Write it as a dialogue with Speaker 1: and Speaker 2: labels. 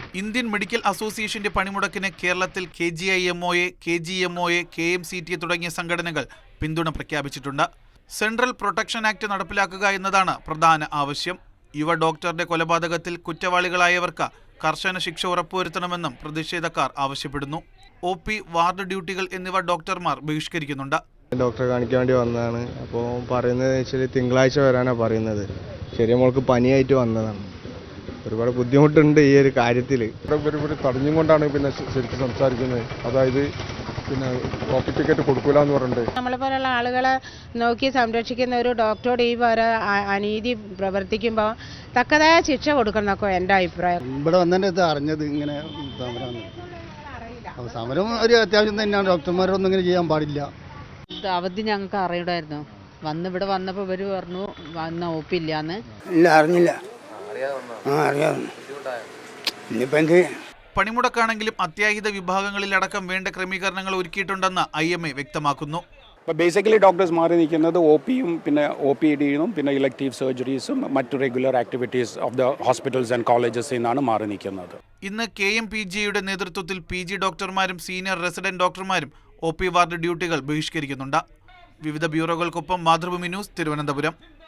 Speaker 1: Indian medical അസോസിയേഷന്റെ പണിമുടക്കിന് കേരളത്തിൽ KGIMOA, KGMOA, KMCTA തുടങ്ങിയ സംഘടനകൾ പിന്തുണ പ്രഖ്യാപിച്ചിട്ടുണ്ട്. സെൻട്രൽ പ്രൊട്ടക്ഷൻ ആക്ട് നടപ്പിലാക്കുക എന്നതാണ് പ്രധാന ആവശ്യം. യുവ ഡോക്ടറുടെ കൊലപാതകത്തിൽ കുറ്റവാളികളായവർക്ക് കർശന ശിക്ഷ ഉറപ്പുവരുത്തണമെന്നും പ്രതിഷേധക്കാർ ആവശ്യപ്പെടുന്നു. OP, വാർഡ് ഡ്യൂട്ടികൾ എന്നിവ ഡോക്ടർമാർ ബഹിഷ്കരിക്കുന്നുണ്ട്.
Speaker 2: ഡോക്ടറെ കാണിക്കാൻ വേണ്ടി വന്നതാണ്. അപ്പോൾ പറയുന്നത് വെച്ചാൽ തിങ്കളാഴ്ച വരാനാണ് പറയുന്നത്. ചെറിയ മോൾക്ക് പനിയായിട്ട് വന്നതാണ്. ഒരുപാട് ബുദ്ധിമുട്ടുണ്ട് ഈ ഒരു കാര്യത്തിൽ.
Speaker 3: ഇവർ തടഞ്ഞും കൊണ്ടാണ് പിന്നെ ശരിക്കും സംസാരിക്കുന്നത്. അതായത് പിന്നെ കോപ്പി ടിക്കറ്റ് കൊടുക്കൂല എന്ന് പറഞ്ഞിട്ട്
Speaker 4: നമ്മളെപ്പോലുള്ള ആളുകളെ നോക്കി സംരക്ഷിക്കുന്ന ഒരു ഡോക്ടറോട് ഈ പോലെ അനീതി പ്രവർത്തിക്കുമ്പോൾ തക്കതായ ശിക്ഷ കൊടുക്കണം എന്നൊക്കെ എൻ്റെ അഭിപ്രായം.
Speaker 5: ഇവിടെ വന്നതിൻ്റെ അറിഞ്ഞത് ഇങ്ങനെ സമരം ഒരു അത്യാവശ്യം തന്നെയാണ്. ഡോക്ടർമാരൊന്നും ഇങ്ങനെ ചെയ്യാൻ പാടില്ല.
Speaker 6: അവധി ഞങ്ങൾക്ക് അറിയണമായിരുന്നു. ഇവിടെ വന്നപ്പോൾ ഇവർ പറഞ്ഞു വന്ന OP ഇല്ലാന്ന്.
Speaker 5: ഇല്ല, അറിഞ്ഞില്ല.
Speaker 1: പണിമുടക്കാണെങ്കിലും അത്യാഹിത വിഭാഗങ്ങളിലടക്കം വേണ്ട ക്രമീകരണങ്ങൾ ഒരുക്കിയിട്ടുണ്ടെന്ന് IMA വ്യക്തമാക്കുന്നു.
Speaker 7: ബേസിക്കലി ഡോക്ടേഴ്സ് മാറി നിൽക്കുന്നത് OPയും പിന്നെ OPDയും പിന്നെ ഇലക്റ്റീവ് സർജറീസും മറ്റു regular activities of the hospitals and കോളേജസിൽ നിന്നാണ് മാറി നിൽക്കുന്നത്.
Speaker 1: ഇന്ന് KMPGയുടെ നേതൃത്വത്തിൽ PG ഡോക്ടർമാരും സീനിയർ റെസിഡന്റ് ഡോക്ടർമാരും OP വാർഡ് ഡ്യൂട്ടികൾ ബഹിഷ്കരിക്കുന്നുണ്ട്. വിവിധ ബ്യൂറോകൾക്കൊപ്പം മാതൃഭൂമി ന്യൂസ്, തിരുവനന്തപുരം.